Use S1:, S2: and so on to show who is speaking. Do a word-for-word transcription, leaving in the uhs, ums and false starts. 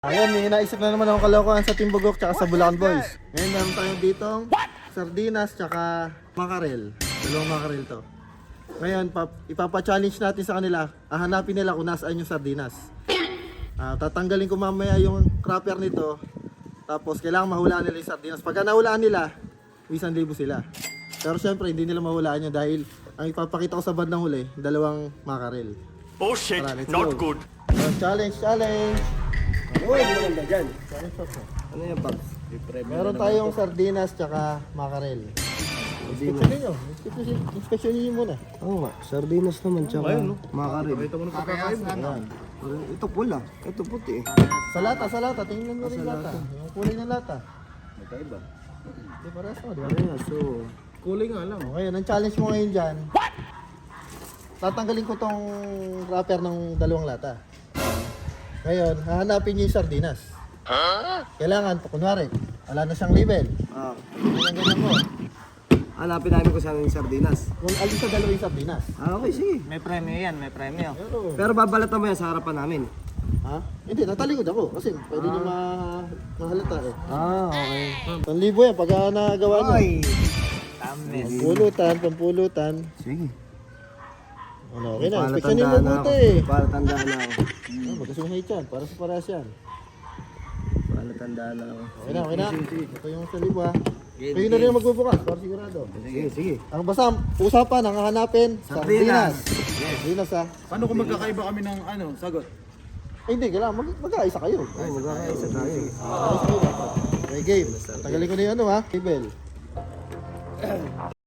S1: Ayun, may naisip na naman akong kalokohan sa Team Bugok tsaka sa Bulacan Boys. Ngayon meron tayong ditong sardinas tsaka makarel. Dalawang makarel to. Ngayon, pap ipapa-challenge natin sa kanila. Hahanapin nila kung nasaan yung sardinas. Uh, tatanggalin ko mamaya yung crapper nito. Tapos kailangan mahulaan nila yung sardinas. Pagka nahulaan nila, isang libo sila. Pero syempre, hindi nila mahulaan yun dahil ang ipapakita ko sa bandang huli, dalawang makarel.
S2: Oh shit,
S1: Tara, let's
S2: not
S1: go.
S2: good.
S1: So, challenge, challenge!
S3: Uy, maganda dyan.
S1: Challenge po.
S3: Ano yung box?
S1: Meron tayong sardinas tsaka makarel. Inspeksyonin nyo. Inspeksyonin- Inspeksyonin nyo muna.
S3: Oo nga, sardinas naman tsaka makaril.
S1: mo na pagkakaiba. Ayan.
S3: Parang ito pula, ito puti eh.
S1: Sa lata, sa lata. Tingnan mo rin lata. Yung kulay ng lata.
S3: Magkaiba.
S1: Di parehas mo, di ba?
S3: Ano so,
S1: Kulay nga lang. Ngayon, ang challenge mo ngayon dyan. Tatanggalin ko tong wrapper ng dalawang lata. Ngayon, hahanapin nyo yung sardinas. Kailangan, kunwari, wala na siyang label.
S3: ah,
S1: Ganyan ganyan mo.
S3: hanapin namin kung saan yung sardinas.
S1: Kung alin sa dalawa yung sardinas.
S3: Ah, okay, sige.
S4: May premyo yan, may premyo.
S1: Pero,
S3: Pero babalatan mo yan sa harapan namin.
S1: ha? Hindi, natalikod ako. Kasi pwede nyo ma mahalata eh.
S3: Ah, okay.
S1: Panlibo yan, pagka nagawa nyo.
S4: Tamis.
S1: Pulutan, pampulutan.
S3: Sige.
S1: Ano, okay na.
S3: Para
S1: Inspeksyonin mo
S3: tandaan na
S1: buti
S3: ako.
S1: eh.
S3: Para tandaan na ako.
S1: Ah, magkasungay yan. Para sa parehas yan.
S3: Para tandaan na ako.
S1: Okay na, okay na. Ito yung sa libo ha. Kayo na rin ang magbubukas, para sigurado.
S3: Sige, sige.
S1: Ang basta, usapan, ang hahanapin, sardinas. Sardinas ha.
S5: Paano kung magkakaiba kami ng ano, sagot?
S1: Eh hindi, kailangan mag mag-aisa kayo.
S3: Ay, magkakaisa tayo.
S1: Mag-aisa kayo dapat. Okay, game. Tagalin ko na yung ano ha. Table.